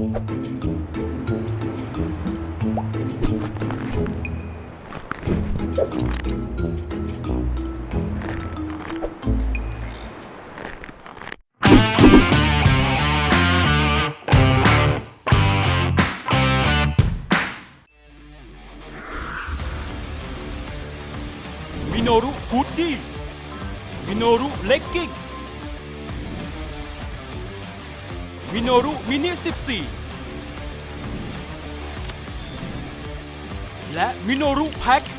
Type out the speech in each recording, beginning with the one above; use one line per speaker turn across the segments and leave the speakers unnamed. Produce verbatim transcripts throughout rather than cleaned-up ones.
มิโนรุฮูดดี้มิโนรุเลกกิ้งมิโนรุมินิสิบสี่และมิโนรุแพ็ค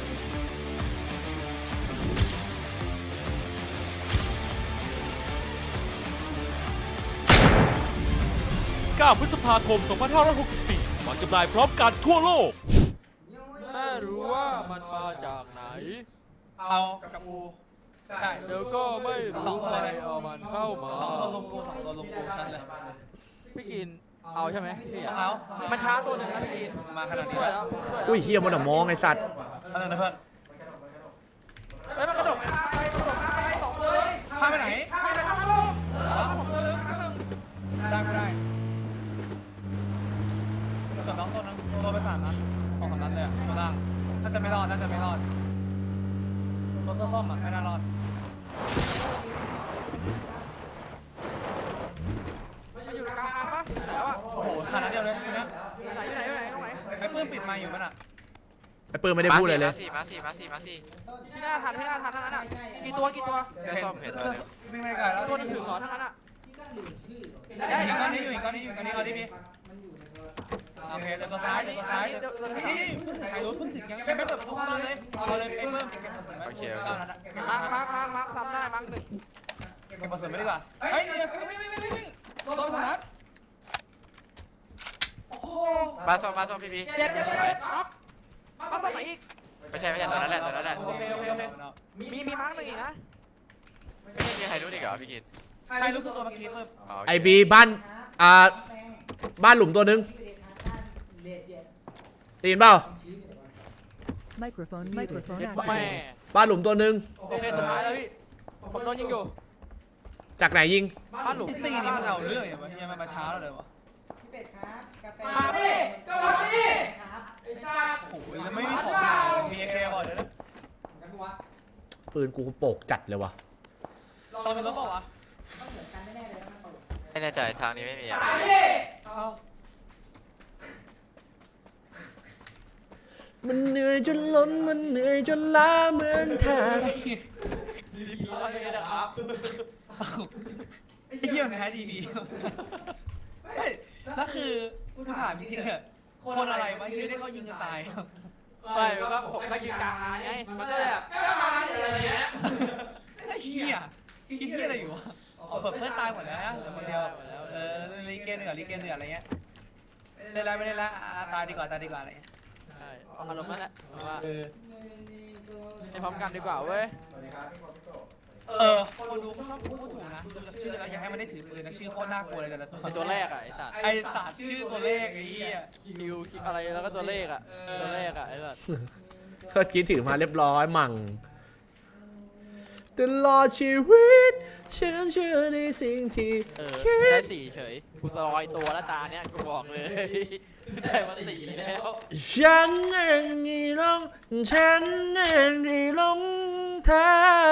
เก้าพฤษภาคมสองพันห้าร้อยหกสิบสี่วางจำหน่ายพร้อมกันทั่วโลกไม่รู้ว่ามันมาจากไหน
เอากับกูใช่
เดี๋ยวก็ไม่รู้ใครเอามันเข้ามา
สองตัวลงกูสองตัวลงกูชัดเลย
พี่กินเอาใช่ไหมพี่
เอา
มันช้าตัวหนึ่งนะพี่กิน
มาขนาดนี้แล้ว
อุ้ยเฮียมันอะมองไอสัตว์
อะไรนะเพื่อน
เฮ้ยมันกระโดดไปกระโดดไปสองเลย
ข้าไปไหน
ไปไปข้างล่าง
ได้ไม่ได้เกือบน้องตัวนั้นตัวไปสามนัดสองสามนัดเลยตัวล่างน่าจะไม่รอดน่าจะไม่รอดตัวส้มๆอ่ะไม่น่ารอด
มันอยู่กลางทางปะแล้วอ่ะ
โอ้โหขนาดเดียวเลยนะ
ไหนไหนไหนตรงไหน
ไอ้ปื้มปิดมาอยู่มั้ยน่ะ
ไอปืนไม่ได้พูดเลยเลย
มาสี่มาสี่มาสี่มาสี่
ที่หน้าทันที่หน้าทันทั้งนั้นอ่ะกี่ตัวกี่ตัว
เดี๋ยวซ่อมเห็นแล้ว
ไม่ไม่ไกลแล้ว
ตัวนึงถึงหรอทั้งนั้นอ่ะ
อีกก้อนนี้อยู่อีกก้อนนี้อยู่ก้อนนี้เอาดิพี่โอเคเดี๋ยวตัวซ้ายเดี๋ยวตัวซ้ายนี่ใครรู้เพิ่งถึงยังไม่เปิดประตูเข้ามาเลยเอาเลยไอ้เพิ่ม
โอเคโอเค
มาร์คมาร์คมาร์คมาร์คซ้ำได้มาร์คหนึ่ง
เก็บผสมไม่ดีกว่าเฮ้ยเดี๋ยวไม่ไม่ไม่ไม่ไม่ตัวตัวนัดโอ้โห
มาซ่อมมาซ่อมพี่พี
เดี๋ยวเดี๋ยวเดี๋ยวมาร์คมาร์คตัวไหนอีก
ไม่ใช่ไม่ใช่ตอนนั้นแหละตอนนั้นแหละ
โอเคโอเคโอเคมีมีมาร์คหนึ่งอีกนะ
ไม่ใช่ใครรู้ดิเหรอพี่กิน
ใครรู้คือตัวเมื่อกี้เพิ่ม
ไอบีบ้านอ่าบ้านหลุมตัวนึงตีนเปล่าบ้านหลุมตัวนึง
โอเคสุดท้ายแล้วพี่ผมโดนยิงอยู่
จากไหนยิง
บ้านหลุม
ตีนี่มันเอาเรื่องอย่างวะยังมาช้าแล้วเลยวะ
พี่เป็ดครับกาแฟ
มาดิกาแฟ
ไอ้ซ่า
โอ้โหยังไม่มีของมีเอเคก่อนเดี๋ยวนะ
ปืนกูโปกจัดเลยวะ
ตอนเป็นรถเปล่าวะ
ไม่แน่ใจทางนี้ไม่มีอ่ะ
มันเหนื่อยจนล้นมันเหนื่อยจนล้าเหมือนแทน
ไอ้เหี้ยมันแพ้ดีดีเฮ้ยแล้วคือกูถามจริงๆเหรอคนอะไรวะที่ได้เขายิงกันตาย
ไม่ก็ผมก็ยิงกลางไงมันก็แบบก็มาอะไรเงี้ย
ไอ้เหี้ยคิดเหี้ยอะไรอยู่วะเปิดเพื่อนตายหมดแล้วเหลือคนเดียวเออลีเกนเหนือลีเกนเหนืออะไรเงี้ยเล่นแล้วไม่เล่นแล้วตายดีกว่าตายดีกว่าอะไร
ใช่เอาอารมณ์นั่นแหละว่าเออให้พร้อมกันดีกว่าเว้ย
เออคนดูเขาชอบพูดถูกนะชื่ออะไรอยากให้มันได้ถือปืนนะชื่อโคตรน่ากลัวเลยแต่ละตัว
ตัวแรกอ่ะไอ้สัตว์
ไอ้สัตว์ชื่อตัวเลขไอ้เหี้ย
คิวอะไรแล้วก็ตัวเลขอ่ะตัวเลขอ่ะไอ้สัตว์
ก็คิดถือมาเรียบร้อยมั่งตลอดชีวิตฉันเชื่อในสิ่งที่
คิดได้สี่เฉยกูซอยตัวละตาเนี้ยกูบอกเลยได้มาสี่แล้ว
ฉันเองที่หลงฉันเองที่หลงเธอ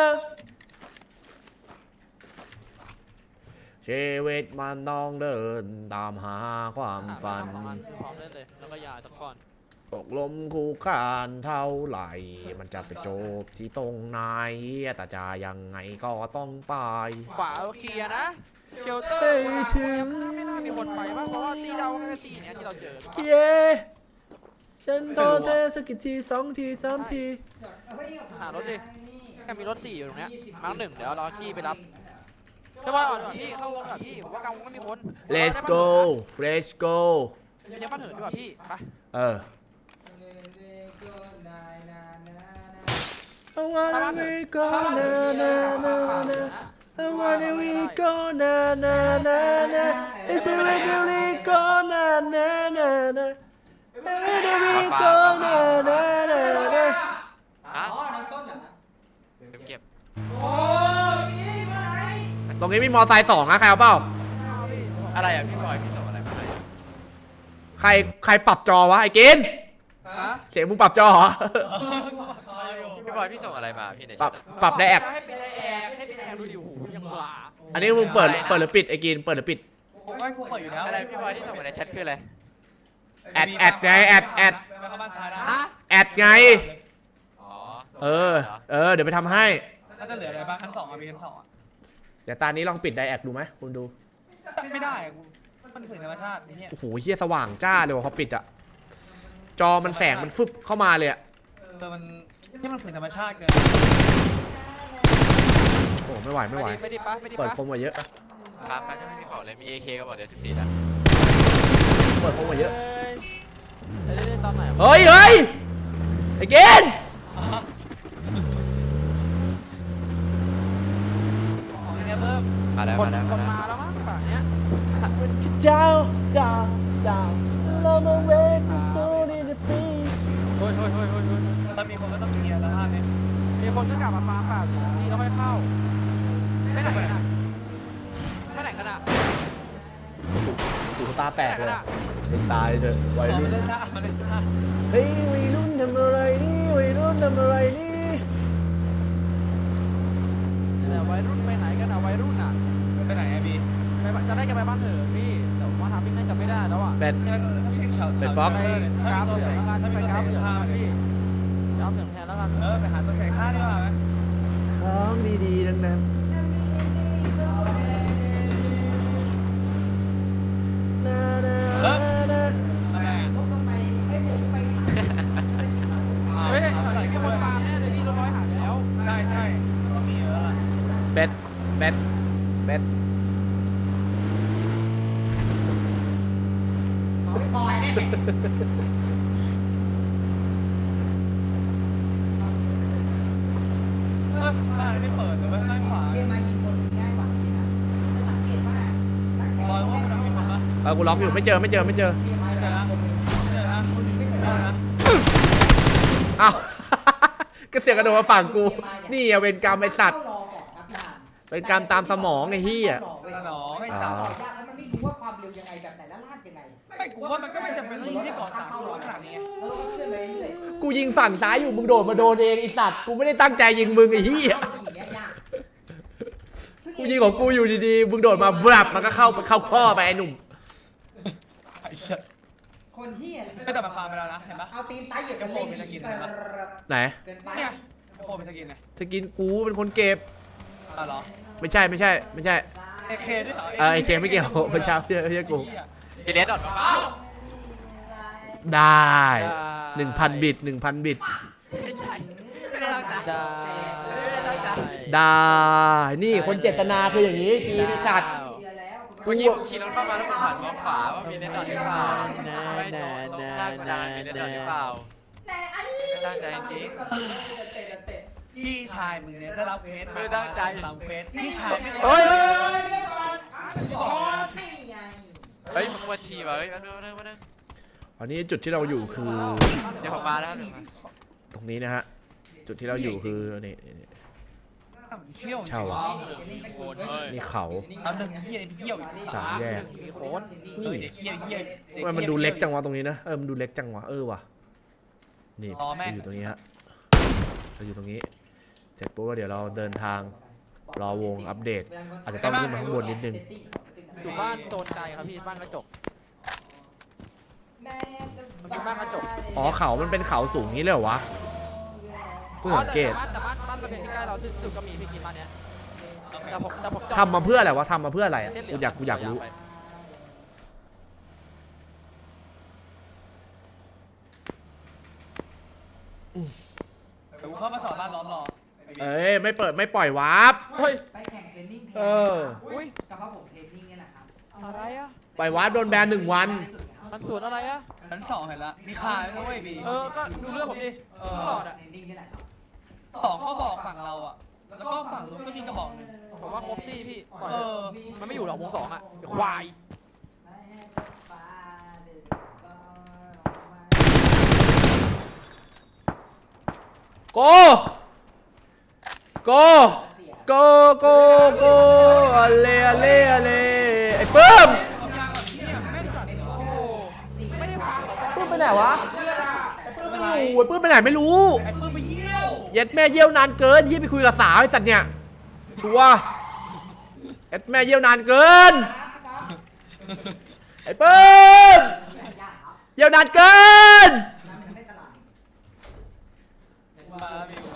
ชีวิตมันต้องเดินตามหาความฝัน
พร้อมเล่นเลยแล้วก็ยาตะก้อน
ตกลมคู่คานเท่าไหร่มันจะไปจบที่ตรงไหนแต่จะยังไงก็ต้องไป
ขวาเคลียร์นะเชลเตอร์ถึงไม่น่ามีคนไปป่ะเพราะว่าตีเราแค่ตีเนี้ยที่เราเจอ
เย้ฉันโทรเธอสักกี่ทีสองทีสามที
หารถดิแค่มีรถสี่อยู่ตรงเนี้ยมาร์คหนึ่งเดี๋ยวรอกี้ไปรับใช่ป่ะก่อนพี่เข้าวงก่อนพี่ผมว่ากลางวงก็มีคน
let's go let's go
เดี๋ยวบ้านเหินดีกว่าพี่ไป
เออI wanna we go na na na na I wanna we go na na na na It's a really go na na na na I wanna we go na na na na
อ๋อต้นเหรอเก็บ
ตรงนี้มีมอไซค์สองนะใครเอาเปล่า
อะไรอ่ะพี่บอยพี่ส่งอะไรมาให้
ใครใครปรับจอวะไอ้กิน
ฮะ
เสียงมึงปรับจอเหรอ
พี่บอยพี่ส่งอะไรมาพี่ใน
ปรับ
แชท
ปรับได้แอป
ให้ปิดไอแอร์ให้ปิดไอแอร์ดูดิโอ้โหยังหวา
อันนี้มึงเปิดเปิดหรือปิดไอ้กินเปิดหรือปิด
ผมว่ากูเปิดอยู่แล้ว
อะไรพี่บอยที่ส่งมาในแชทคืออะไร
แอดแอดไงแอดแอด
ไปเข้าบ้านซ้ายนะ
แอดไง
อ๋อ
เออเออเดี๋ยวไปทำให้
น่าจะเหลืออะไรบ้างชั้นสองอ่ะมีชั้นสองอ่ะ
เดี๋ยวตานี้ลองปิดไดแอคดูไหมคุณดู
ไม่ได้อะกูมันถึงธรรมชาตินี่เนี่ย
โอ้โหเฮียสว่างจ้าเลยว่ะพอปิดอะจอมันแสงมันฟึบเข้ามาเลยอะ
เออมันที่มันถึงธรรมชาติเกิน
โอ้ไม่ไหวไม่ไหว
ไม่ดีปะไม่ดี
เปิด
ปะ
คมกว่าเยอะ
ครับครับไม่มีของเลยมี เอ เค ก็บอกเดี๋ยวสิบสี่นะ
เปิดคมกว่าเยอะ
เฮ้ยเล่นตอนไหน
เฮ้ยเฮ้ยไอ้เกน
ของเนี่ยเพิ่ม
มาแล้ว
คน
มาแล้ว
ค
มาน แล้ว
มาแล้วมั้งฝั่งเนี้ย
เจ้าเจ้าเจ้าเรามาเวทโซนีเดฟี
เฮ้ยเฮ้ยเฮ้ยเฮ้ยเฮ้ย
ถ้ามีคนก็ต้องเคลียร์แล้วท่าเนี่ย
มีคนก็กลับมาฟาร์มป่าสินี่แล้วค่อยเข้าไม่ไหนกันอ่ะไม่ไหนกันอ่ะ
หูตาแตก
ไม่
เล
ไหน
ย
กันอ่ะ
เป็นตายเถอะวัย
ขอ
รุ่
มาน เล่นท่ามาเล่นท่า
เฮ้ยวัยรุ่นทำอะไรนี่วัยรุ่นทำอะไรนี่
แต่วัยรุ่นไปไหนกันอ่ะวัยรุ่นอ่ะ
ไปไหนอะบี
ไปบ้านจะได้จะไปบ้านเถอะพี่แต่ว่าทำพี่น่าจะไม่ได้แล้วอ่ะ
เป็น
เช็คเฉา
เป็นป๊อก
ไป
ถ้าก
ราฟ
มี
เห
ตัว
ลื
เส
อง
ก
แล้วกัน
ถ้ามี
ไป
ตัว
ก
เส
ราฟ
ก
เหลือง
ท่า
แล้วกัน
พี่
พี่กราฟเหลืองแทนแล้วกัน
เออไปหาตัวเสกท่าดีกว่าไหม
ของดีๆทั้งนั้นนานา
เออ
นา
อะไรอะ
ลบลงไปให้ผมไป
เฮ้ยใส่แค่บนฟาร์มแน่เลยพี่รถร้อยหายแล้ว
ใช่ใช่ต้องมีเยอะล่ะ
เป็ดเป็ดเป็ด
ไม่ปล่อยเนี่ย
เออท่าไม่เปิดแต่ว่าข้างขวา
เกมมายิงคนง่ายกว่านะสังเกตว่านักแข่ง
บอยว่ามันมีคนปะ
เออกูล็อกอยู่ไม่เจอไม่เจอไม่เจอ
เกมมา
ไม่เจ
จะ
อนะไม่เจอนะไม่เจอนะ
อ้าว ก็เสียงกระโดดมาฝั่งกู นี่อะเวรกรรมไอสัตว์
รอก่อนครับพี่าน
เป็นการตามสมองไอ้เหี้ย
ตาหนอไม่
ไม่
สา
สาว
ว
ต่อยากแล้วมันไม่รู้ว่าความเร็วยังไงแบบไหนแล้วลากยังไง
ไม่กูว่ามันก็ไม่จำเป็นต้องยิงที่เกาะสามกิโลขนาดนี้
เออเชื่อเลยเลย
กูยิงฝั่งซ้ายอยู่มึงโดดมาโดนเองไอสัตว์กูไม่ได้ตั้งใจยิงมึงไอ้เหี้ย
สิ่งนี้ยาก
กูยิงของกูอยู่ดีๆมึงโดดมาบลับมันก็เข้าเข้าข้อไปไอ้หนุ่ม
ไอ้เหี้ย
คนที่อะไร
ไม่แต่มันพาไปแล้วนะเห็นปะ
เอาตีนซ้ายเหยียบ
กระโปรงเป็นสกินเลยปะ
ไหน
เกินไป
เนี่ยกระโปรงเป็นสกินไง
สกินกูเป็นคนเก็บ
อ๋อเหรอ
ไม่ใช่ไม่ใช่ไม่ใช่
เอเคด้วยเหรอ
เออไอเคไม่เกี่ยวไม่ใช่ไม่ใช่ไม่ใช่กู
ดีเลสดอทเปล่า
ได้หนึ่งพันบิตหนึ่งพันบิต
ไม่ใช่ไม่ได้ตั้งใจ
ได้
ไม่ได้ตั้งใจ
ได้นี่คนเจตนาคืออย่างนี้กีไอสัตว์
เดียวแล้ว
เมื่อกี้ผมขี่รถเข้ามาแล้วผมหันมองขวาว่ามีเลสดอทหรือเปล่าไม่ตรงตรงหน้ากระดานมีเลสดอทหรือเปล่า
แต่อัน
ไม่ตั้งใจจริง
พี่ชายมึงเนี่ยได้รับเควส
ไม่ตั้งใจ
สามเควสพี่ชายไม่
เฮ้ย
ไม่ไง
เฮ้ยมึงมาฉี่ว่ะเฮ้ยมาเร็วมาเร็วมาเร็ว
อันนี้จุดที่เราอยู่คือ
เดี๋ยวผมมาแล้วเดี๋ยวมา
ตรงนี้นะฮะจุดที่เราอยู่คือนี่นี่
เที่ยว
เช่า นี่เขา
เอาหนึ่งเที่ยวเที่ยวอีก
สามแยก
มีโค้ด
นี่เดี๋ยวเที่ยวเที่ยว
ทำไมมันดูเล็กจังวะตรงนี้นะเออมันดูเล็กจังวะเออว่ะนี่
รอแม่
อยู่ตรงนี้ฮะเราอยู่ตรงนี้เสร็จปุ๊บแล้วเดี๋ยวเราเดินทางรอวงอัปเดต อาจจะต้องขึ้นมาข้างบนนิดนึง
อยู่บ้านโซนไกลครับพี่บ้านกระจก มันเป็นบ้านกระจก
อ๋อเขามันเป็นเขาสูงนี้เลยเหรอวะเพิ่งสังเกต
แต่บ้านแต่บ้านบ้านระเบียงที่ใกล้เราที่สุดก็มีพี่กินบ้านเนี้ยแต่ผมแต่ผมจอด
ทำมาเพื่ออะไรวะทำมาเพื่ออะไรอะกูอยากกูอยากรู้
เดี๋ยวกูเข้ามาสอนบ้านล้อมรอ
เอ้ยไม่เปิดไม่ปล่อยวาร์ป
เฮ้ย
ไปแข่งเทรนนิ่งแทน
เออ
อุ้ย
กับว่าผมเทรนนิ่งเนี่ยแหละครับ
อะไรอ่ะ
ปล่อยวาร์ปโดนแบนหนึ่งวัน
มันสวนอะไรอ่ะ
ชั้นสองเห็นละมีคาไหมเว้ยบี
เออก็ดูเรื่องผมดิ
เอ
ต
อ
ลอดอ่ะ
เทรนนิ่งนี่แหละครับ
สองก็บอกฝั่งเราอ่ะแล้วก็ฝั่งนู้นก็มีกระบอกหนึ่ง
ผมว่าครบตี้พี่ปล่อย
เออ
มันไม่อยู่หรอกวงสองอ่ะไอ้ควาย
โก โก โก โก โกอะเลอะเลอะเลไอ้เปิ้ม
เอายางแบบนี้แม่นจัดเลย
โอ้โหไม่ได้
ไหนวะ
เพื่อนอะไอ้ปื้ม
ไม่
ไป
อยู่ไอ้ปื้มไปไหนไม่รู้
ไอ้ปื้มไปเยี่ยว
เย็ดแม่เยี่ยวนานเกินที่ไปคุยกับสาวไอ้สัตว์เนี่ยชัวร์เย็ดแม่เยี่ยวนานเกินไอ้ปื้มเยี่ยวนานเกิน
มาพี่มา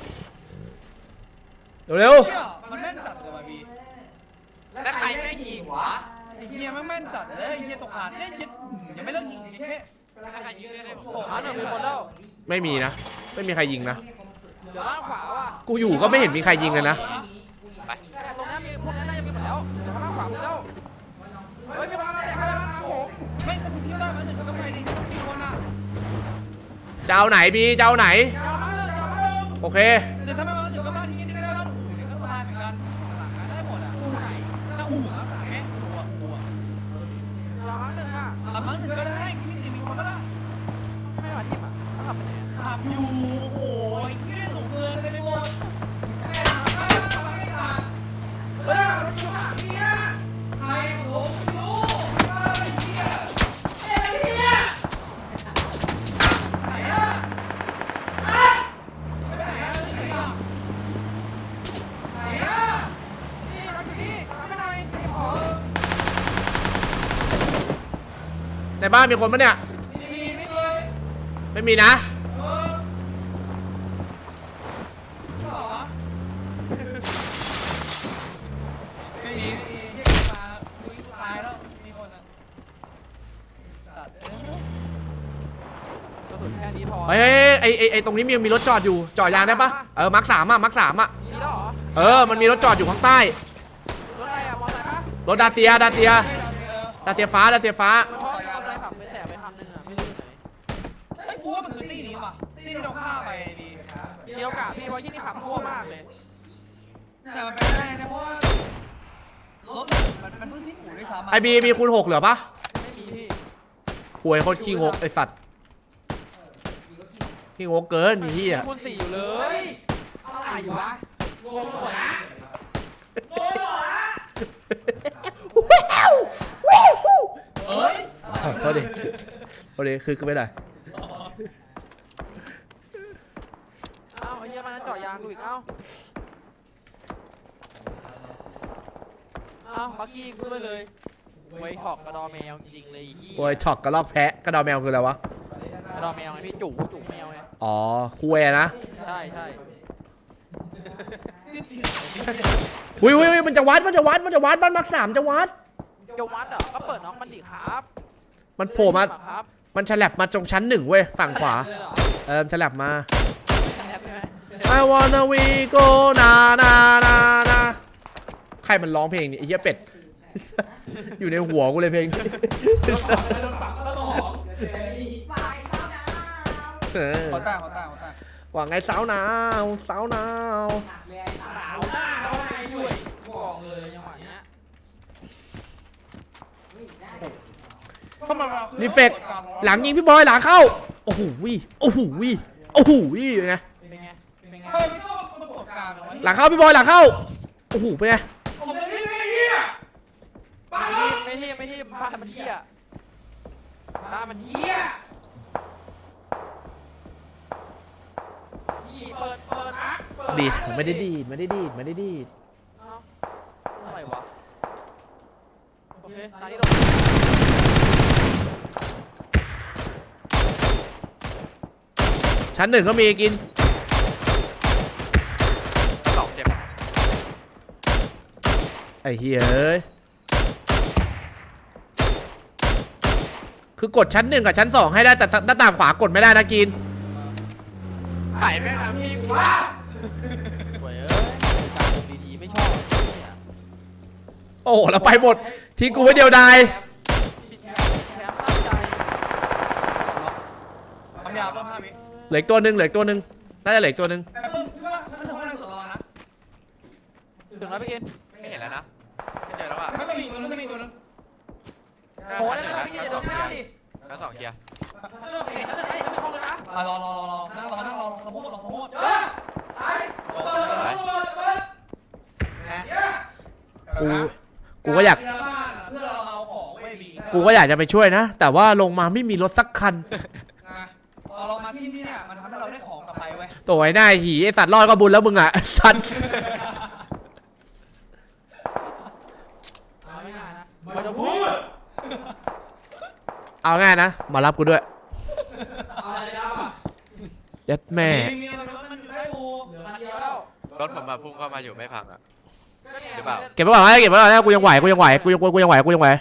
เร็ว
เชี่ยมันแม่นจัดเลยว่ะพี่
แล้วใครไม่ยิงวะ
ไอ้เฮียมันแม่นจัดเลยไอ้เฮียตกหาดเนี่ยยิงยังไม่เลิกยิงไอ้แค่
แล้วใครยิงได้ได้ผม
มาหนึ่งมีคนแล้ว
ๆไม่มีนะไม่มีใครยิงนะ
เดี๋ยวล่างขวาว่ะ
กูอยู่ก็ไม่เห็นมีใครยิงกันนะ
ไป
แต่ตรงนั้นมีพวกนั้นน่าจะมีหมดแล้วเดี๋ยวล่างขวาหมดแล้วเฮ้ยมีคนมาแล้วมาแล้วมาผม
ไม่ถ้าพี่ได้มาหนึ่งก็ไปดิมีคนอ่ะ
เจ้าไหนบีเจ้าไหน
ยาวมาเลยยาวมาเลย
โอเค
เดี๋ยวถ้าไม่มาหนึ่งก็มาทีนี้ได้แล้วเดี๋ยวก็สบายเหมือนกันหลังได้หมดอ่ะถ้าอู่รักษาแค่อู่อ่ะอู่อ่ะ
ยาวมาหนึ่งอ่ะ
อ่ะมั้งหนึ่งก็ได้ที่มีคนก็ได้
ไม่มาที่มาเขาขับไปไหน
ขับอยู่โอ้ยเฮียหลงเมืองเลยไปหมดแม่หลังได้หลังได้ขาดเฮ้ยมันอยู่หลังเนี่ยใครหลงรู้ไอ้เฮียไอ้เฮียไหนอ่ะไปไหนอ่ะไหนอ่ะไหนอ่ะนี่มาที่นี่มาไม่หน่อยขอ
ในบ้านมีคนปะเนี่ย
มีมีไม่เลย
ไม่มีนะ
เออหรอไม่มีไม่มีเรียกมาคุยตายแล้วมีคนอ่ะสัตว์เอ้ย
กระสุนแค่นี้พอ
เฮ้ยไอไอไอตรงนี้มีมีรถจอดอยู่จอดยางได้ปะเออมาร์คสามอะมาร์คสามอะ
มีแล้วเหรอ
เออมันมีรถจอดอยู่ข้างใต้
รถอะไรอะมอเตอร์ไซค์ปะ
รถดาเซียดาเซียดาเซียฟ้าดาเซียฟ้า
มันชอบมอเตอร์ไซค์ขับไปแตะไปคันหนึงอะไม่รู้อยู่ไหน
ไอ้กูว่ามันคือตีนี้ว่ะตีที่เราฆ่าไปดี
เดียวกับพี่เพราะที่นี่ขับทั่วมากเลย
แต่มันเป็นได้นะเพราะว่ารถมันมันเพิ่งที่อู่ด้วยซ้ำะ
ไอบีมีคูณหกเหลือปะ
ไม่มีพี่
หวยโคตรขี้งกไอสัตว์ขี้งกเกินนี่เฮีย
คูณสี่อยู่เลยอะไรอยู่วะรวมหมดนะรวมหมดนะ
เอ้ย
โทษดิโทษดิคือคือไม่ได้
เอ้าไอ้เหี้ยมันนั้นเจาะยางกูอีกเอ้าเอ้าบักกี้กูด้วยเลยไว้ถอกกระดอแมวจริงๆเลยไอ้เหี้ย
โวยช็อกกระลอกแพะกระดอแมวคืออะไรวะ
กระดอแมวไงพี่จุ๋จุ๋แมวไง
อ๋อคุยนะ
ใช่ใช่
อุ้ยอุ้ยอุ้ยมันจะวัดมันจะวัดมันจะวัดบ้านมาร์คสามจะวัด
จะวัดเหรอก็เปิดน้องมันดิครับ
มันโผล่มา
ครับ
มันฉลับมาตรงชั้นหนึ่งเว้ยฝั่งขวา
เลยเหรอ
เออฉลับมา
แอบใช่ไหม
I wanna we go na na na na ใครมันร้องเพลงนี้ไอ้เหี้ยเป็ด อยู่ในหัวกูเลยเพลงนี้เออ
ขอตาขอตาขอตา
ว่าไงสาวหนาวสาวหนาว
สาวหน้าเขาไงด้วยบอกเลยจังหวะเนี้ย
เข้ามา
รีเฟกหลังยิงพี่บอยหลังเข้าโอ้โหวิโอ้โหวิโอ้โหวิเป็นไง
เป็นไงเป็นไง
เฮ้ยไม่ชอบประสบการณ์เหรอ
หลังเข้าพี่บอยหลังเข้าโอ้โหเป็นไง
ผมจะที่ไม่เหี้ยบ้า
ไม่ที่ไม่ที่บ้านมันเหี้ยบ้านมันเหี้ยนี่เปิดเปิดอ่ะเปิด
ดีดไม่ได้ดีดไม่ได้ดีดไม่ได้ดีด
เอ้าอะไรวะโอเคตอนนี้ลง
ชั้นหนึ่งก็มีกิน
สองเจ็บ
ไอ้เฮ้ยเอ้ยคือกดชั้นหนึ่งกับชั้นสองให้ได้แต่หน้าต่างขวากดไม่ได้นะกิน
ถ่ายแม่งทำพี่กูว่า
สวยเอ้ยการวงดีๆไม่ชอบเนี่ย
โอ้เราไปหมดทิ้งกูไว้เดียวดาย
ผิดแผนผิดแผนตั้งใจ
ทำยาเพิ่มห้าวิ
เหลืออีกตัวหนึ่งเหลืออีกตัวหนึ่งน่าจะเหลืออีกตัวหนึ่ง
แต่เพิ่มพี่ว่าฉันถึงว่าในสวนรอนะ
ถึงแล้วพี่กิน
ไม่เห็นแล้วนะไม่เจอแล้วอ่ะ
ไม่ต้องมีตัวนึงไม่ต้องมีตัวนึง
โอ้ยแล้วพี่กินอย่าโดนข้ามดิ
แล้วสองเคลียร์
เรื่องเห็นแล้วจะได้ยังไม่ห้องเลยนะ
อ่ะรอรอรอรอนั่งรอนั่งรอสมมติรอสมมติ
กูกูก็อยาก
เพื่อเราเอาของเว้ยบีก็
กูก็อยากจะไปช่วยนะ แต่ว่าลงมาไม่มีรถสักคัน
นะเราเรามาที่นี่เนี่ยมันทำให้เราได้ของกลับไปเว้ย
ตัวไอ้หน้าหีไอสัตว์รอดก็บุญแล้วมึงอ่ะ สัตว์
เอาไม่ง่ายนะมันจะพูด
เอาง่ายนะมารับกูด้วย
เอาอะไรแล้วอ่ะ
เจ็ดแม่
มีมีอะไรมันอยู่ใกล้กู
เหลือคันเดียวแล้ว
รถผมมาพุ่งเข้ามาอยู่ไม่พังอ่ะ หรือเปล่า
เก็บไว้ก่อนนะเก็บไว้ก่อนนะกูยังไหวกูยังไหวกูยังกูยังไหวกูยังไหว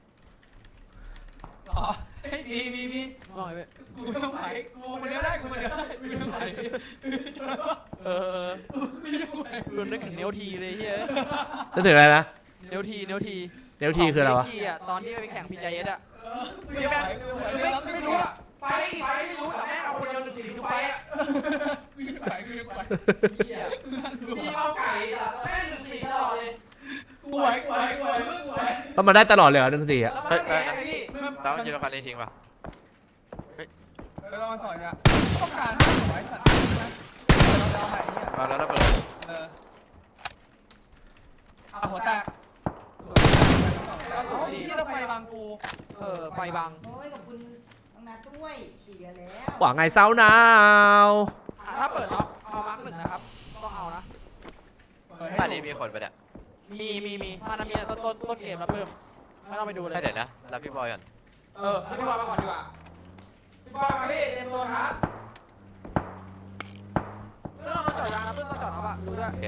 อ๋อเฮ้ยมีมีมี
ว่าไงเว้ย
กูไม่ไหวกูคนเดียวได้กูคนเดียวได้กูไม่ไหว
เออรุนนึกถึงเนวทีเลยเฮีย
จะถึงอะไรนะ
เนวทีเนวที
เนวทีคืออะไรวะ
เนทีอ่ะตอนที่ไปแข่งพีจเอสอ่ะ
กูไม่ไหวกูไม่ไหว
ไม่ไม่รู้อ่ะไฟไฟไม่รู้แต่แม่เอาคนเดียวหนึ่งสี่ทุกไฟอ่ะ
กูไม่ไหวกูไม่ไหว
เฮียมีเอาไก่อ่ะแม่หนึ่งสี่ตลอดเลย
กูไหวกูไหวกูไหวกูไหว
แล้วมันได้ตลอดเลยเหรอหนึ่งสี่อ่ะ
แล้วมันแพ้ไงพี่
แล้วมันยืนคันนี้ทิ้งป่ะ
เออมาต่อยอ่ะต้องการห้าร้อยสัตว์นะเราใหม่เนี่ย
เอาแล้วระเบิด
เออเอาหัวแตกที่เราไปบางกู
เออไฟบัง
โอ้ยขอบคุณน้องนัดด้วยเสียแล้ว
หวังไงเศร้าหนาว
ถ้าเปิดล็อกเอามาร์กหนึ่งนะครับต้องเอานะ
เปิดให้
บ้าน
ดู
นี้มีคนไปเนี่ย
มีมีมีมันมีต้นต้นต้นเกมแล้วเพิ่มไม่ต้องไปดูเลย
ให้เดี๋ยวนะรับพี่บอยก่อน
เออให้พี่บอยมาก่อนดีกว่าพี่บอยมาพี่เต็มตัวครับไม่ต้องมาจอดยางนะเพิ่งมาจอดครับอ่ะดูด้วย
โอเค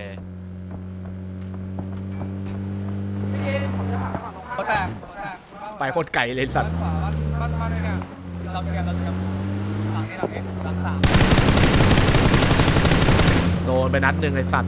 พี่เกมผมจะผ่านไปฝั่งตรงข้าม
หัวแตกหัวแตก
ไปโคตรไก่เลยสัตว์
บ้านขวาบ้านบ้านบ้านเนี่ยเราเตรียมเราเตรียมหลังนี้หลังนี้หลังสาม
โดนไปนัดหนึ่งไอสัตว์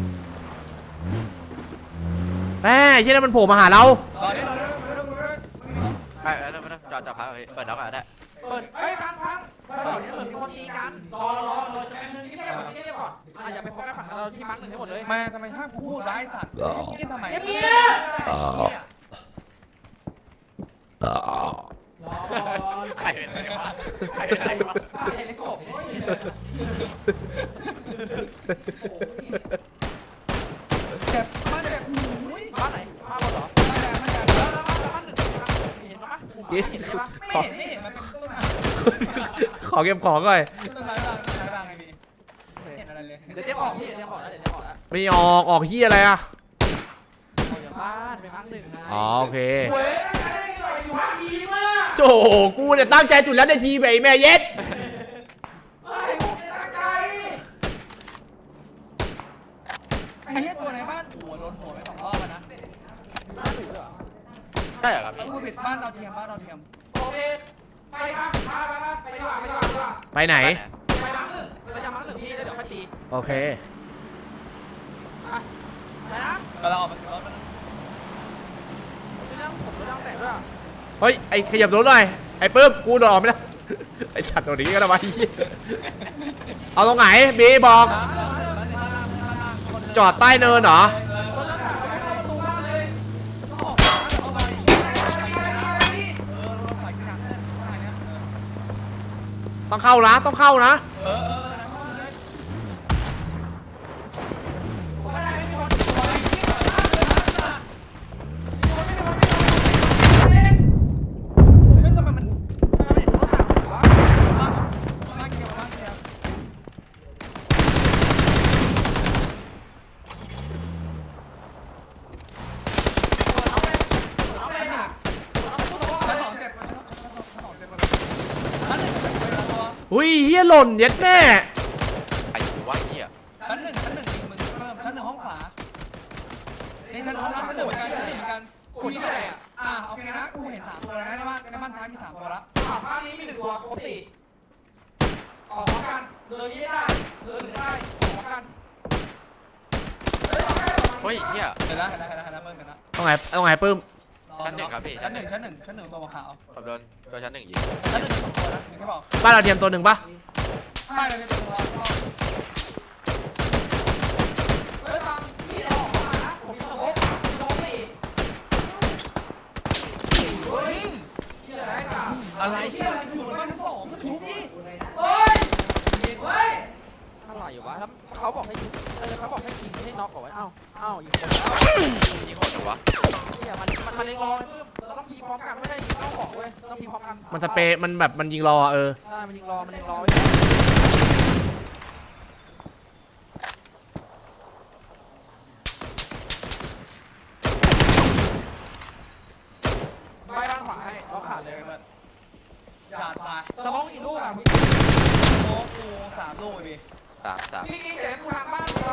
แม่เช่นนั้นมันโผล่มาหาเรา
รอดิรอดิรอดิรอดิ
ไปเออไม่ต้องจอดจอดพักเอาพี่เปิดน็อกอ่ะได้
เปิดเฮ้ยพังพังเปิดเดี๋ยวเหมือนมีคนตีกันรอรอรอแป๊บนึงนี่แค่ก่อนนี่แค่ก่อนอ่ะอย่าไปโฟกัสฝั่งเราที่มาร์กหนึ่งให้หมดเลย
มาทำไมห้ามกูพูดร้ายสัตว์นี่ทำไม
เงียบ
อ๋อ
รอรอรอ
ใครเป็นไรวะใครเป็นไรวะ
ป้าเห็นในกบนี่
เจ็บมาเจ็บหูย
บ้านไหนบ้านบนเหรอ
มาแดงมาแดง
แล้วแล้วบ้านแล้วบ้านหนึ่งเห็นปะเห็นใช่ปะ
ไม่เห็นไม่เห็นมันเป็นต้นไม้
ขอเก็บของก่อน
ต้นไม้บางต้นไม้บางไงพี่เห็นอะไรเลย
เดี๋ยวเจ๊ออกพี่เดี๋ยวเจ๊ออกแล้วเดี๋ยวเจ๊ออกแล้ว
ไม่ออกออกเฮียอะไรอ่ะ
ออกจากบ้านไปพักหนึ่งไง
อ๋อโอเค
เว้ยได้หน่อยอยู่พักดีมาก
โจกูเนี่ยตั้งใจสุดแล้วในทีมไอ้แม่เย็ด
เฮ้ยผมตั้งใจ
ไอ้เหี้ยตัวในบ้านหัวโดนหัวไปสองรอบแล้วนะ
บ้านหนูเหรอ
ได้เหรอครับ
แล้ว
พี่
กูปิดบ้านเราเทียมบ้านเราเทียม
โอเคไปครับไปไปไปไปดีกว่าไปดีกว่าไปดีกว่า
ไปไหน
ไปพักหนึ่งไปจะพักหนึ่งพี่แล้วเดี๋ยวค่อยตี
โอเค
อ่ะไปนะ
แล้วเราออกมาถึงรถมัน
เรื่องผมเรื่องแต่งด้วย
เฮ้ยไอ้ขยับรถหน่อยไอ้ปื้มกูโดดออกไม่ได้ ไอ้สัตว์ตัวนี้ก็ได้วะเหี้ยเอาตรงไหนบีบอกจอดใต้เนินเหรอต้องเข้านะต้องเข้านะ
เออเออเฮ้ยทำไมมันบ้านเกี่ยวบ้านเกี่ยว ชั้นสองเจ็บชั้นสองเจ็บชั้นหนึ่งเป็นตัว
อุ้ยเฮียหล่นเย็ดแม่
ไอ้หัวเหี้ย
ชั้นหนึ่งชั้นหนึ่งยิงมึงเพิ่มชั้นหนึ่งห้องขวานี่ชั้นห้องชั้นหนึ่งเหมือนกันชั้นหนึ่งเหมือนกันกูที่ไหนอ่ะอ่าโอเคนะกูเห็นสามตัวแล้วนะในบ้านในบ้านซ้ายมีสามตัวแล้ว
อ่ะบ้านนี้มีหนึ่งตัวปกติออกพร้อมกันเดินนี้ได้เดินหนึ่งได้ออกพร้อมกัน
เฮ้ยเหี้ย
เห็นแล้วเห็นแล้วเห็นแล้วเห็นแล้วเพิ่มเห็นแล้ว
ต้องไงต้องไงปื้ม
ชั้นหนึ่งครับพี่ชั้
ชั้น
น
ห
หนึ่
นึ่ง
ง
ชั้นหนึ่งชั้นหนึ่งตัวขาว
ผมโดนตัวชั้นหนึ่งยิง
ชั้นหนึ่งสองตัวนะอย่างที่บอก
บ้านเราเทียมตัวหนึ่งปะ
ไม่เลยเป็นตัว
เฮ้ยฟังพี่เราออกมานะผมมีสมบมีสมบสี่เฮ้ยเชี่ยอะไรกัน
อะไรเชี่ยอะไรอยู่บนบ้านสองชุบนี่
เฮ้ยเฮ้ยอะไรอยู่วะแล้วเขาบอกให้ยิงเออเขาบอกให้ยิงไม่ให้น็อกก่อนไว้เอ้าเอ้ายิงคนแล้ว
ยิงคนเหรอวะ
เชี่ยมันมันมันเล็งรอเดิเราต้องพีพร้อมกันไม่ได้ยิงต้องบอกเว้ยต้องพีพร้อมกัน
มันสเปรย์มันแบบมันยิงรอเออ
ใช่มันยิงรอมันยิงรอไว้ไปบ้านขวาให้เราขาดเลยเพื่อน
จานไป
สมองกี่ลูกอ่ะพี่
โอ้โหสามลูกไอ้พี่
สามสาม
พี่เจ๋งกูทางบ้านเรา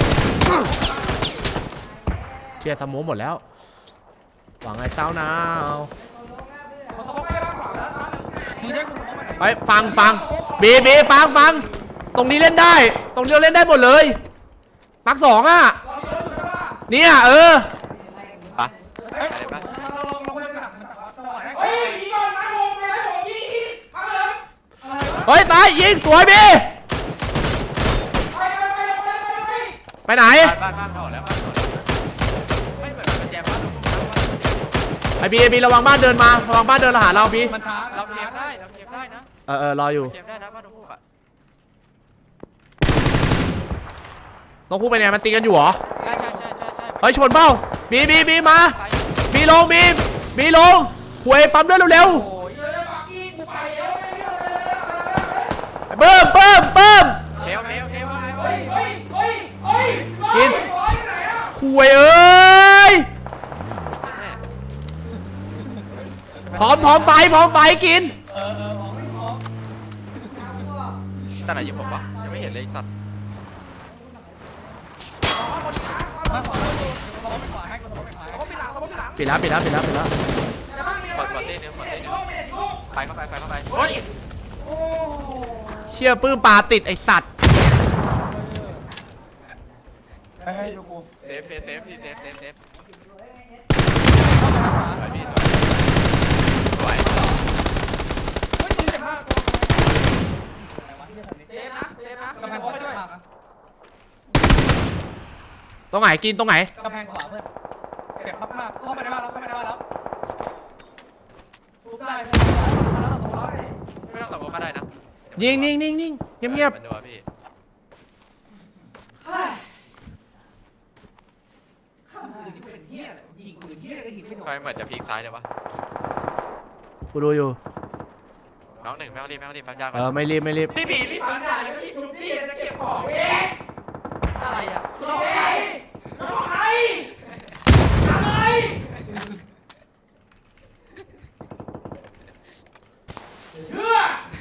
เชียร์สโมหมดแล้วหวังไอ้เศร้านาว
สมองไปบ้านขวาแล้วนะ
มึงจะกูสมมติ
ไปฟังฟังบีบีฟังฟังตรงนี้เล่นได้ ตรงนี้เราเล่นได้หมดเลยมาร์คสองอ่ะเนี่ยเออ
ปะไปเลยปะ
เราลองลองไปจับมันจับจังหวะได้
เฮ้ยยิงก่อนมาโมงเลยผมยิงอีกมาเลย
เฮ้ยซ้ายยิงสวยบี
ไปไปไปไปไป
ไปไหน
บ้านบ้านบ้านออกแล้วบ้านออกแล้วไม่เหมือนมันแจมบ้านตรงนู้นนะ
ไอบีไอบีระวังบ้านเดินมาระวังบ้านเดินมาหาเราบี
มันช้า
เราเกมได้เราเกมได้นะ
เออเออรออยู่
เกมได้นะบ้านตรงนู้นอ่ะ
ต้องพูดไปเนี่ยมันตีกันอยู่เหรอ
ใช่ใช่ใช่ใช่ใช่
เฮ้ยชนเป้าบีบีบีมา
ไป
บีลงบีบีลงหวยปั๊มเลือดเร็ว
โอ้ย
เดี๋ยวปักกี้กูไปเดี๋ยวเดี๋ยวเดี๋ยว
ๆเบิ่มเบิ่มเบิ่ม
เร็วเร็วเร็วเร็ว
เฮ้ยเฮ้ยเฮ้ยเฮ้ย
กิน
ร้อยไหนอ่ะ
หวยเอ้ยพร้อมพร้อมไฟพร้อมไฟกิน
เออเออของไม่ของ
ตอนไหนยิงผมวะยังไม่เห็นเลยสัตว์
มาขอเราดูสมมติขวาให้กูสมมติขวาให้
เขาปิดหลังเขาปิดหลัง
ปิดแล้วปิดแล้วปิดแล้วปิดแล้ว
กดกดเต้นนึงกดเต้นนึงไปเข้าไปไปเข้าไปโอ้ย
เชี่ยปื้มปลาติดไอสัตว์
ให้ให้ดูกู
เซฟเซฟพี่เซฟเซฟเซฟ
เข้าไปขวา
สวยพี่สวยสวย
เฮ้ยมึงเจ็บมากกูอะไรวะที่จะทำนี้
เจมนะเจมนะ
กำแพงข
เขา
วา
ไป
เจ็
ช่
บ
วย
มากนะ
ตรงไหนกินตรงไหน
กำแพงขวาเพื่อนเจ็บมากๆเข้ามาในบ้านแล้วเข้ามาในบ้านแล้วทุบได้เพื่อน
ไม่ต้องสมมติก็ได้นะ
ยิงนิ่งนิ่งนิ่งเงียบเงียบ
มันดูพี่
ข้ามคืนนี่เป็นเหี้ยอะไรยิงปืนเหี้ยก็ยิงไม่โดน
ทำไมเหมือนจะพลิกซ้ายเลยวะ
กูดูอยู่
น้องหนึ่งไม่ต้องรีบไม่ต้องรีบปั๊มยาก่
เอ
อน
อไม่รีบไม่รีบ
พี่ผีรีบปั๊มยาแล้วก็รีบชุบพี่จะเก็บของเอง
อะไรอ่ะ
เราไปเราไปทำไม เชื่อ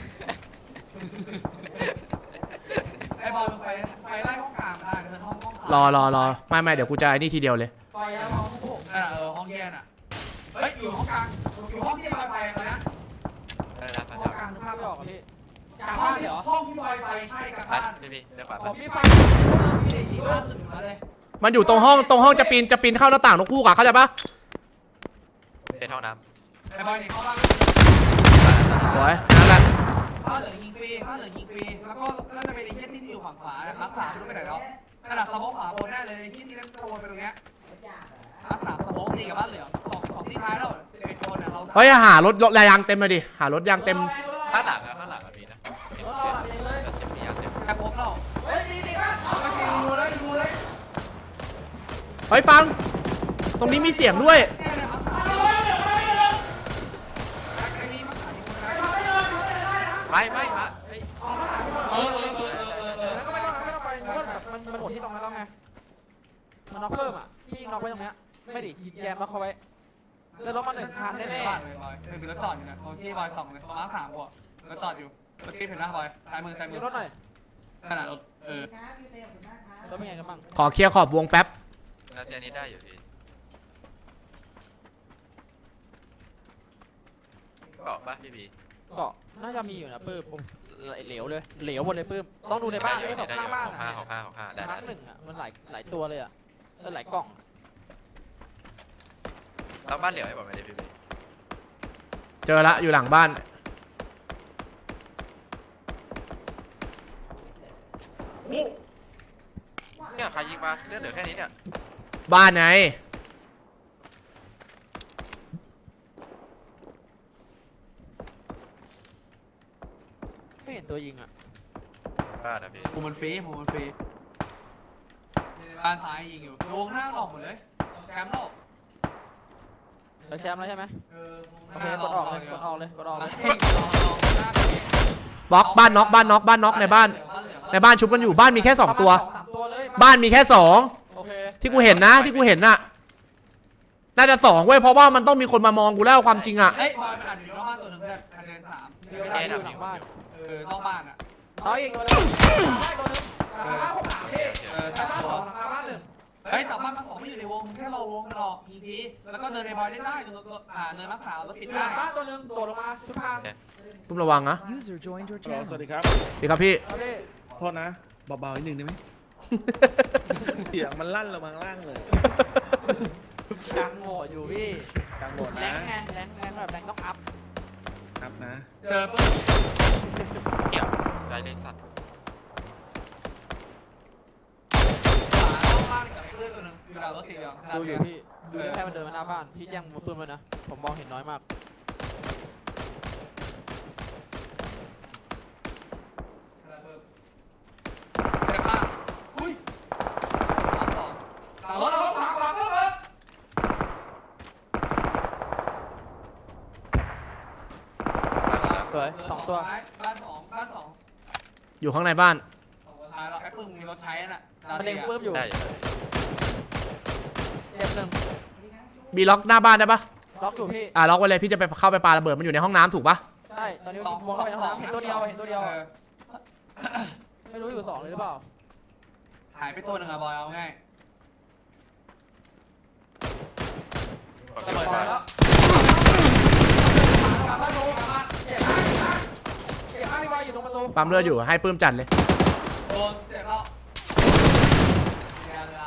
ไอ้บอลไฟไฟไล่ห้องกลางได้เพื่อนห้องห้องสาม
รอรอรอไม่ไม่เดี๋ยวกูจะไอ้นี่ทีเดียวเลย
ไฟแล้วมองพวก
นั่นน่ะเออห้องแยกน่ะเฮ้ยอยู่ห้องกลางอยู่ห้องที่ลอยไฟอะไรนะ
ได้แล้วปั๊ม
ห้อง
ยาก
ลางนึกภาพไม่ออกพี่กลาง
ห้อ
บ้าง น
ที่
เหรอ
ห้องที่ลอยไฟใช่กับ
ไป
บ้าน
พี่พี่เดี๋ยวปั๊ม
ขอ
ไป
พี่ไฟพี่เด็กยิง
ล่าสุดมาเลย
มันอยู่ตรงห้องตรงห้องจะปีนจะปีนเข้าหน้าต่างนกคู่อะเข้าใจปะ
เป็นห้องน้
ไอ้บอยนี่เข้าบ้าน
สวยนั่นแหละ
บ้านเหลือยิงฟรีบ้านเหลือยิงฟรีแล้วก็น่าจะเป็นไอ้เหี้ยที่อยู่ฝั่งขวานะครับสามรู้ไปไหนแล้วนั่นแหละสมองขวาบนได้เลยที่ที่นั่นขโมยไปตรงเนี้ยรักสามสมองตีกับบ้านเหลืองสองสองที่ท้ายแล้วสิบเอ็ดคนน่ะเรา
เฮ้ยหารถรถยางเต็มเลยดิหารถยางเต็ม
ำข้างหลังอะข้างหลังอะมีนะเห็นเห็นแล้วจะมีอย่างเต็ม
แค่ครบแล้ว
เฮ้ยดีดีครับ
ก็คือดูเลยดูเลย
เฮ้ยฟัง ตรงนี้มีเสียงด้วย
แน่เลยครับสาม
เอาเลยเดี๋ยวเอาเลยเดี๋ยว
ไอ้นี่มาสามคนนะ
เอาเลยเดี๋ยวเอาเลยได้นะ
ไม่ไม่ฮะเฮ้ย
เออเออเออเออเออเออ
แล้วก็ไม่ต้องไม่ต้องไปเพราะว่าแบบมันมันหมดที่ตรงนั้นแล้วไงมันน็อกเพิ่มอ่ะพี่น็อกไว้ตรงเนี้ยไม่ดิยิงแยมน็อกเขาไว้แล้วรถมาหนึ่งคัน
แน่
แน่
ๆบ้านเลยบอยเป็นรถจอดอยู่นะที่บอยสองเลยประมาณสามกว่ารถจอดอยู่รถที่เห็นนะบอยซ้ายมือซ้าย
ๆ
มื
มี
อ
รถหน่อย
นั่นน่ะรถเออ
รถเป็นไงกันบ้าง
ขอเคลียร์ขอบวงแป๊บ
น่าจะนี้ได้อยู่พี่บอกป่ะพี่บี
เกาะน่าจะมีอยู่นะปื้มผมเหลวเลยเหลวหมดเลยปื้มต้องดูในบ้าน
ได้
ไอ้
อยู่
สอง
ได้อ
ข้าง
ยู่
บ้าน
หกห้าหกห้าหกห้าได้
มา
ได้
ร์คหนึ่งอ่ะมันหลายหลายตัวเลยอ่ะแล้วหลายกล่อง
แล้วบ้านเหลียวให้บอกไม่ได้พี่บี
เจอละอยู่หลังบ้าน
เนี่ยใครยิงมาเลือดเหลือแค่นี้เนี่ย
บ้านไง
ไม่เห็นตัวยิงอ่ะ
บ้านนะพี่
ผมมันฟรีผมมันฟรีบ้านซ้ายยิงอยู่วงหน้าออกหมดเลยแชมป์โลก
เเราแชมป์แล้วใช่ไหม
เออ
โอเคกดออกเลยกดออกเลยกดออกเลย
บล็อกบ้านน็อกบ้านน็อกบ้านน็อกในบ้านในบ้านชุบกันอยู่บ้านมีแค่สองตัว
สามตัวเลย
บ้านมีแค่สอง
โอเค
ที่กูเห็นนะที่กูเห็นน่ะน่าจะสองเว้ยเพราะว่ามันต้องมีคนมามองกูแล้วความจริงอ่ะ
เฮ้ยบอยมันอาจจะอยู่นอกบ้านตัวหนึ่งเพื่อนอาจจะเป็นสาม
มีเวลาอยู่หลังบ้าน
เออนอกบ้านอ่ะ
น้อยอีกตัวนึงได้ตัวนึง
เออเออสัตว์ตัวเฮ้ยแต่บ้านมาสองไม่อยู่ในวงแค่เราวงมันออกอีพีแล้วก็เดินในบอยได้ได้ตัวตัวอ่าเดินมาสาวแล้วปิด
หลั
ได้
งบ้านตัวนึงโดดลงมาชุดพาง
ตุ้มระวังนะ
User joined your
ฮัลโหล
channel.
สวัสดีครับ
ดีครับพี่
เอาดิ
โทษนะเบาๆนิดนึงได้ไหม เสียงมันลั่นลงมาข้างล่างเลย
ดังโหดอยู่พี่
กลางหมด
แร
นะ
งไงแรงแรงแบบแรงต้องอัพ
ครับนะ
เจอปุ๊บ
เกี่ยวใจเลยสัตว์
ขวานอกบ้านกับไอ้เพื่อนตัวหนึ่งอยู่ดาวรถสีเหลือง
ดูอยู่พี่ดูแค่มันเดินมาหน้าบ้านพี่แย่งมือปืนมันนะผมมองเห็นน้อยมาก
เจ็บมากอุ้ยสองสามรถเราขวาขวาเพิ่มเพิ่ม
สวยสองตัว
บ้านสองบ้านสอง
อยู่ข้างในบ้าน
สองคนท้ายเราไอ้ปึ้งมีรถใช้น่ะ
มันเล็งปื้มอยู่
ได้อยู่
เจ็บหนึ่ง
บีล็อกหน้าบ้านได้ปะ
ล็อกอยู่พี่
อ่ะล็อกไว้เลยพี่จะไปเข้าไปปาระเบิดมันอยู่ในห้องน้ำถูกปะ
ใช่ตอนนี้มองเข้าไปในห้องน้ำเห็นตัวเดียวเห็นตัวเดียว
เออ
ไม่รู้อยู่สองเลยหรือเปล่า
หายไปตัวหนึ่งอะบอยเอาง่าย
กด
จะ
เปิด
ปล่
มา
อยแล้วกลับบ้านโดกลับบ้านเจ็บมากเจ็บมากพี่บอยอยู่ตรงประตู
ปั๊มเลือดอยู่ให้ปื้มจัดเลย
โดนเจ็บแล้วเวลา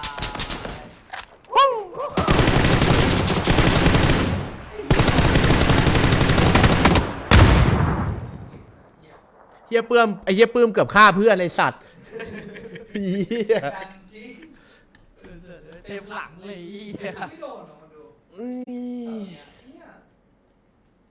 เฮียปื้มไอเฮียปื้มเกือบฆ่าเพื่อนไอสัตว์เฮีย
ดันจี้
เต็มหลังเลย
ไม่โดนหรอกมาดู
อืม